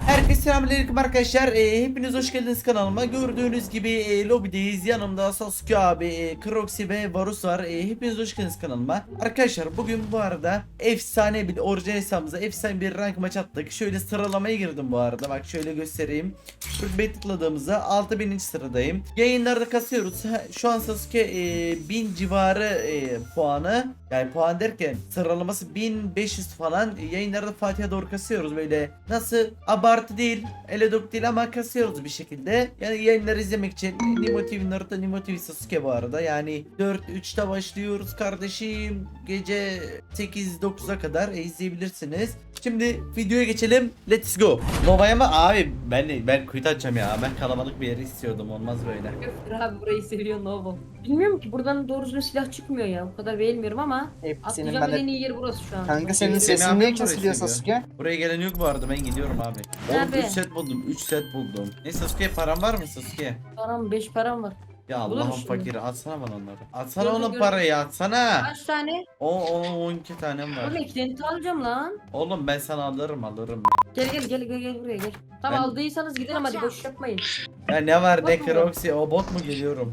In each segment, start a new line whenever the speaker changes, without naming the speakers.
Herkese selamünaleyküm arkadaşlar. Hepiniz hoş geldiniz kanalıma. Gördüğünüz gibi lobideyiz. Yanımda Sasuke abi, Croxy ve Varus var. Hepiniz hoş geldiniz kanalıma. Arkadaşlar bugün bu arada efsane bir orijinal hesabımıza efsane bir rank maç attık. Şöyle sıralamaya girdim bu arada. Bak şöyle göstereyim. Rütbeyi tıkladığımızda 6000. sıradayım. Yayınlarda kasıyoruz. Şu an Sasuke 1000 civarı puanı. Yani puan derken sıralaması 1500 falan. Yayınlarda Fatih'e doğru kasıyoruz. Böyle nasıl abartı değil, eledok değil ama kasıyoruz bir şekilde. Yani yayınları izlemek için Nimo TV Naruto, Nimo TV Sasuke bu arada. Yani 4-3'te başlıyoruz kardeşim. Gece 8-9'a kadar izleyebilirsiniz. Şimdi videoya geçelim. Let's go. Nova'ya mı? Abi ben kuyut açacağım ya. Ben kalabalık bir yeri istiyordum. Olmaz böyle.
Göftür abi burayı seviyor Novo. Bilmiyorum ki buradan doğru düzgün silah çıkmıyor ya. O kadar beğenmiyorum ama
Senin
atlayacağım
ben
en
de...
iyi yer burası şu an.
Kanka senin
Semih
sesin
abi
niye
mi burayı
kesiliyor
seviyor?
Sasuke?
Buraya gelen yok bu arada, ben gidiyorum abi. Oğlum
Abi.
3 set buldum, 3 set buldum. Neyse Sasuke, param var mı Sasuke?
Param 5 param var.
Ya
Bulur
Allah'ın
musun?
fakiri, atsana bana onları. Atsana
Gördüm,
onun
gördüm.
parayı, atsana.
Kaç tane?
O 12 tanem var.
Oğlum eklenti alacağım lan.
Oğlum ben sana alırım.
Gel buraya gel. Tamam
Ben-
aldıysanız gidelim hadi boş yapmayın.
Ya ne var ne
Bot mu?
Croxy, o bot mu geliyorum?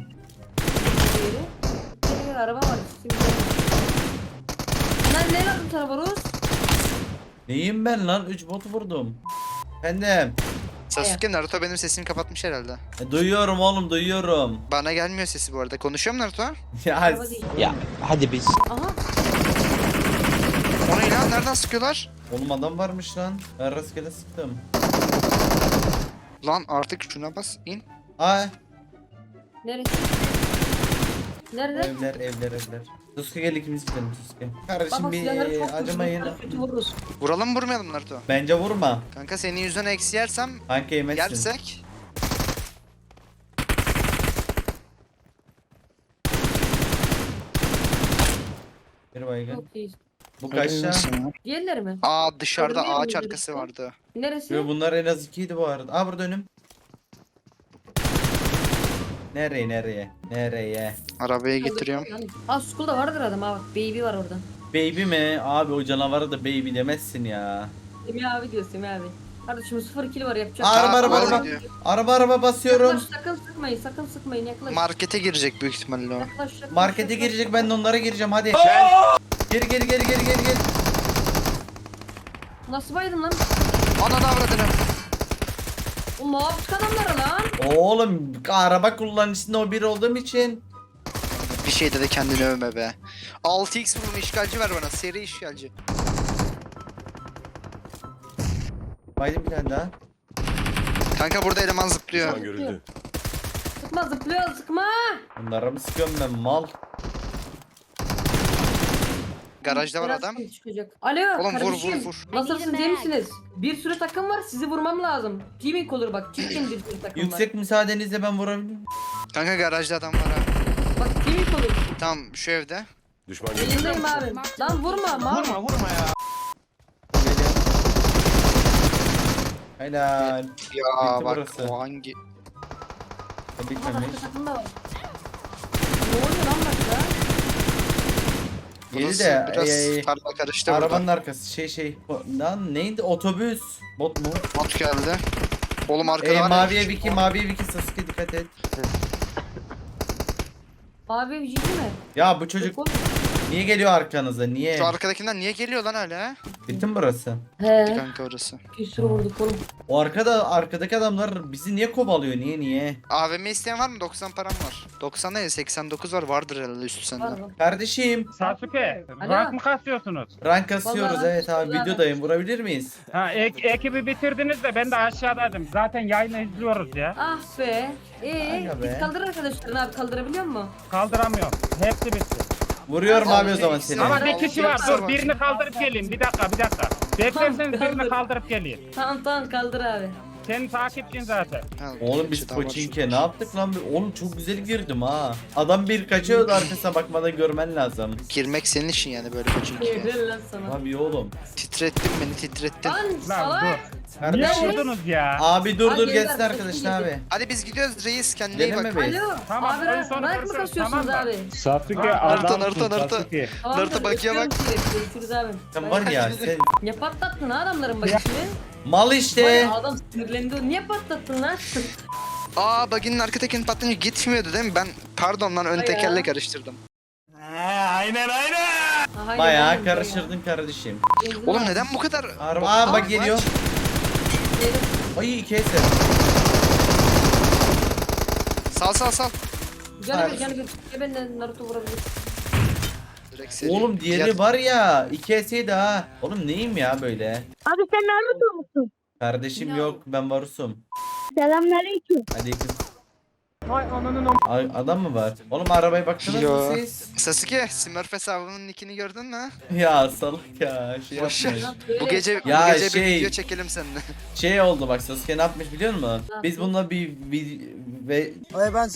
Gel araba var. Şimdi lan ne lazım sana Barus?
Neyim ben lan? 3 bot vurdum. Efendim.
Sasuke Naruto benim sesimi kapatmış herhalde.
Duyuyorum oğlum, duyuyorum.
Bana gelmiyor sesi bu arada. Konuşuyor mu Naruto?
Ya
Araba değil.
Ya hadi biz.
Aha.
O ne lan? Nereden sıkıyorlar?
oğlum adam varmış lan. Ben rastgele sıktım.
Lan artık şuna bas in.
Aa,
Neresi? Nerede?
evler. Sasuke gel ikimiz gidelim Sasuke. Kardeşim
Baba
bir
silahları çok
acımayın.
kötü vururuz.
Vuralım mı vurmayalım Naruto?
Bence vurma.
Kanka senin yüzünden eksi yersem
Kanka yemezsin.
yersek.
Bir baygın.
Çok iyi.
Bu kaçta?
Diğerleri mi?
Aa dışarıda
Görmüyor
ağaç
muyuz
arkası
herifte?
vardı.
Neresi?
Yo, bunlar en az 2'ydi bu arada. Aa, burada önüm. Nereye?
Arabaya getiriyorum.
Aa school'da vardır adam abi. Baby var orada.
Baby mi? Abi o canavara da baby demezsin ya.
Semih abi diyor Semih abi. Kardeşim 0 kill var yapacak.
Araba,
Aa,
araba,
araba
araba.
gidiyor.
Araba basıyorum.
Yaklaş, sakın sıkmayın yaklaş.
Markete girecek büyük ihtimalle o.
Yaklaş.
Markete girecek, ben de onlara gireceğim hadi. Geri.
Nasıl baydın lan?
Ananı avradını.
O ne yaptık adamlara lan?
Oğlum araba kullanıcısında o bir olduğum için.
Bir şeyde de kendini övme be. 6x vurma işgalci ver bana. Seri işgalci.
Baydım bir tane daha.
Kanka burada eleman zıplıyor.
Görüldü. Sıkma zıplıyor sıkma.
Bunlara mı sıkıyorum ben mal?
Garajda var
Biraz
adam.
sıkıntı çıkacak. Alo
Oğlum vur
kardeşim.
vur vur.
Nasılsınız iyi misiniz? Bir sürü takım var sizi vurmam lazım. Teaming olur bak çirkin bir sürü takım var.
Yüksek müsaadenizle ben vurabilirim.
Kanka garajda adam var ha.
Bak teaming olur.
Tamam şu evde.
Elindeyim abi. Lan vurma mal.
Helal.
Ya
Bitti
bak
burası.
o hangi?
Ama
Bitmemiş.
başka takım da var. Ne oluyor lan başka?
Geri
Burası
de
biraz tarla karıştı
arabanın
burada.
arkası lan neydi, otobüs bot mu?
Bot geldi. Oğlum arkada var.
Maviye Viki Sasuke dikkat et.
Abi bir ciddi mi?
Ya bu çocuk
Yok oğlum.
niye geliyor arkanıza, niye?
Şu arkadakinden niye geliyor lan hala?
Bitti mi burası?
He.
Kanka orası.
Bir sürü vurduk oğlum.
O arkadaki adamlar bizi niye kovalıyor, niye?
AVM isteyen var mı? 90 param var. 90 değil 89 var. Vardır herhalde üstü
Var
sende.
mı?
Kardeşim
Sasuke,
Alo.
rank mı kasıyorsunuz?
rank kasıyoruz,
Vallahi
evet abi,
vallahi.
videodayım, vurabilir miyiz?
Ha, ekibi bitirdiniz de ben de aşağıdaydım. Zaten yayını izliyoruz ya.
Ah be.
Aga be.
Git kaldır arkadaşlarını abi kaldırabiliyor musun?
Kaldıramıyorum. Hepsi bitti.
Vuruyorum
Tamam,
abi o zaman seni.
Ama bir kişi var. Dur
Tamam.
birini kaldırıp geleyim. Bir dakika. Beklerseniz
Tamam,
birini
kaldır.
kaldırıp geleyim.
Tamam kaldır abi.
Senin takipçin zaten.
Ha,
Oğlum
bir
biz
şey daha var
Koçinke
şurada.
ne yaptık lan? Oğlum çok güzel girdim ha. Adam bir kaçıyordu, arkasına bakmadan görmen lazım.
Girmek senin işin yani böyle bir çünkü.
Helal lan sana.
Abi oğlum.
Titrettin beni titrettin.
Lan
Lan
salak.
dur. Niye
Kardeşim.
vurdunuz ya?
Abi dur
Abi
gelsin
yeter,
arkadaşlar
kesin
abi.
Hadi biz gidiyoruz reis kendine iyi
Geleme
bak.
be.
Alo.
Tamam,
abi
oyun sonu
rank mı
görüşürüz,
kasıyorsunuz
tamam mı?
abi?
Sasuke
Naruto,
adamsın
Naruto.
Sasuke.
Tamamdır,
Naruto bakıya bak.
öpüyorum sizi. Görüşürüz abi.
Sen var ya sen
Ne patlattın ha adamların başını?
Mal
Vay,
işte.
adam sinirlendi. Niye patlattın lan?
Aa baginin arka tekerini patlayınca gitmiyordu değil mi? Ben pardon lan ön
Ay
tekerle
ya.
karıştırdım.
Aha,
Bayağı
aynen,
karıştırdın kardeşim.
aynen.
Oğlum neden bu kadar...
Araba aa bak geliyor.
Geliyor.
Ay iki eser.
Sal.
Canı bir. Ya ben de Naruto vurabilir.
Direkt seri.
Oğlum diğeri var ya 2 eseydi ha. Oğlum neyim ya böyle?
Abi sen Naruto musun?
Kardeşim
Ya.
yok ben Varus'um.
Selamünaleyküm.
Aleyküm.
Vay ananın
Ay, adam mı var? Oğlum arabaya baktınız mı
Yo.
siz?
Sasuke, Smurf hesabının nickini gördün mü?
Ya salak ya şey
Boş
yapmış.
ver.
Lan böyle-
Bu gece
Ya
bu gece
şey-
bir video çekelim seninle.
Şey oldu bak Sasuke ne yapmış biliyor musun?
Ne
Biz
yapmış?
bununla ve
Ay ben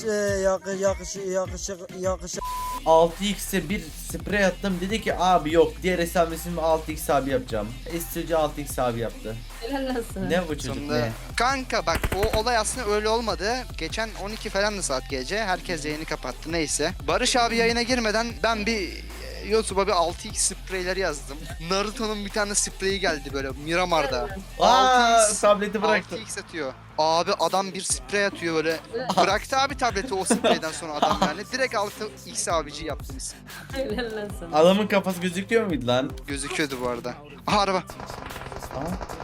yakışık
6x'e bir sprey attım dedi ki abi yok diğer hesabımı 6x abi yapacağım. İstici 6x abi yaptı.
Helal lan sana.
Ne bu çocuk
Sonunda...
ne?
Kanka bak o olay aslında öyle olmadı. Geçen 12 falandı saat gece. Herkes yayını kapattı neyse. Barış abi yayına girmeden ben bir YouTube'a bir 6x spreyleri yazdım. Naruto'nun bir tane spreyi geldi böyle Miramar'da.
Aa
6x
tableti bıraktı.
6x atıyor. Abi adam bir sprey atıyor böyle. Bıraktı abi tableti o spreyden sonra adam yani. Direkt 6x abici yaptım isim.
Helal lan sana.
Adamın kafası gözüküyor muydu lan?
Gözüküyordu bu arada. Aha araba.
Aa,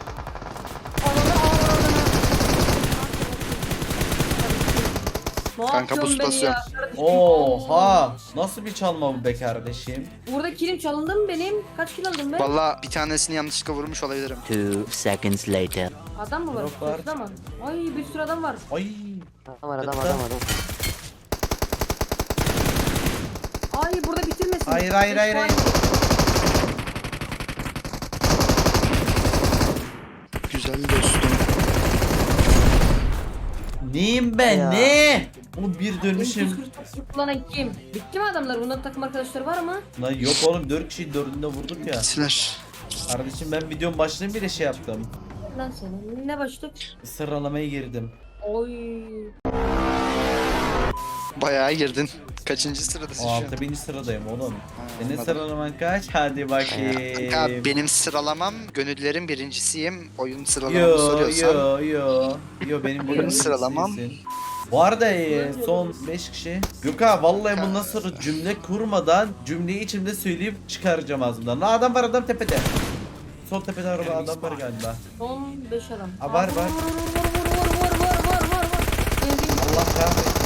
Ne
Kanka,
yapıyorsun
buz
beni
basıyorum.
ya? Kardeşim,
Oha! Nasıl bir çalma bu be kardeşim?
Burada kilim çalındı mı benim? Kaç kill aldım ben?
Valla bir tanesini yanlışlıkla vurmuş olabilirim.
2 seconds later.
Adam mı var?
Drop var.
Sırtında mı? Ay bir sürü adam var.
Ay!
Adam.
Ay burada bitirmesin.
Hayır, hayır, hayır, hayır.
Güzel dostum.
Neyim ben
Ya.
ne? Oğlum bir dönmüşüm.
249 kullanan kim? Bitti mi adamlar? Bunların takım arkadaşları var mı?
Lan yok oğlum 4 kişiyi 4'ünde vurduk ya.
Bittiler.
Kardeşim ben videonun başlığını bile şey yaptım.
Lan sana. Ne başlık?
Sıralamaya girdim.
Oy.
Bayağı girdin. Kaçıncı sıradasın
O
şu an?
6000. sıradayım oğlum. Senin
anladım.
sıralaman kaç? Hadi bakayım.
Kanka benim sıralamam gönüllerin birincisiyim. Oyun sıralamamı
Yo
soruyorsan.
yo benim
Benim
sıralamam.
Bu arada son 5 kişi. Gökhan vallahi bundan sonra cümle kurmadan cümleyi içimde söyleyip çıkaracağım ağzımdan. Lan adam var adam tepede. Sol tepede araba adam var galiba.
Son 5 adam.
Ha, var, var.
Vur. Geldim.
Allah kahretsin.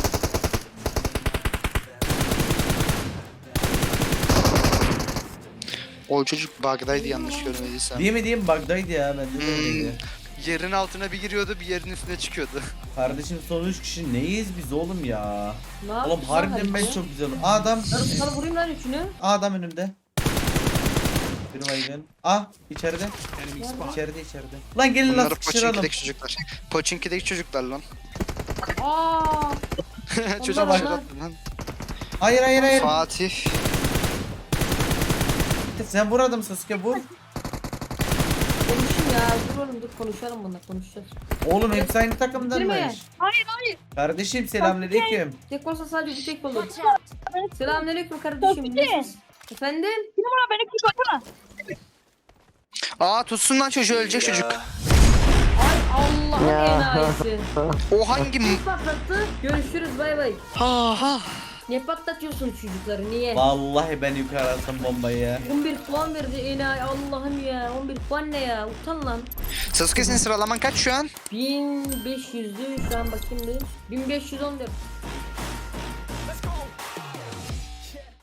O çocuk bug'daydı yanlış görmediysem.
Değil mi diyeyim bug'daydı ya bende de öyleydi.
Yerin altına bir giriyordu bir yerin üstüne çıkıyordu.
Kardeşim son 3 kişi neyiz biz oğlum ya?
Ne
Oğlum
yaptın
harbiden
sen
ben
Halice?
çok güzel. Adam.
Sana vurayım lan üçünü.
Adam önümde. Bir baygın. İçeride. İçeride. Lan gelin lan
Bunlar
sıkıştıralım.
Pochinki'deki çocuklar. Pochinki'deki çocuklar lan.
Aa.
Çocuk
Onlar
bak.
onlar.
Lan.
Hayır.
Fatih.
Sen vur adam Sasuke vur.
Konuşun ya. Dur oğlum dur konuşalım bununla konuşacağız.
Oğlum hepsi aynı
Bitirme.
takımdanmış.
Hayır.
Kardeşim selamünaleyküm.
Tek olsa sadece bu tek olur. Selamünaleyküm kardeşim.
Sofi.
Nasılsın? Efendim?
Numara beni kurtarsana.
Aa tutsun lan çocuğu ölecek çocuk.
Ay Allah'ın enayisi.
O hangi...
Kim patlattı? Görüşürüz bay bay.
Ha.
Niye patlatıyorsun çocukları niye?
Vallahi ben yukarı attım bombayı ya.
11 puan verdi enayi Allah'ım ya. 11 puan ne ya? Utan lan.
Sasuke senin sıralaman kaç şu an?
1500'dü şu an bakayım bir. 1514.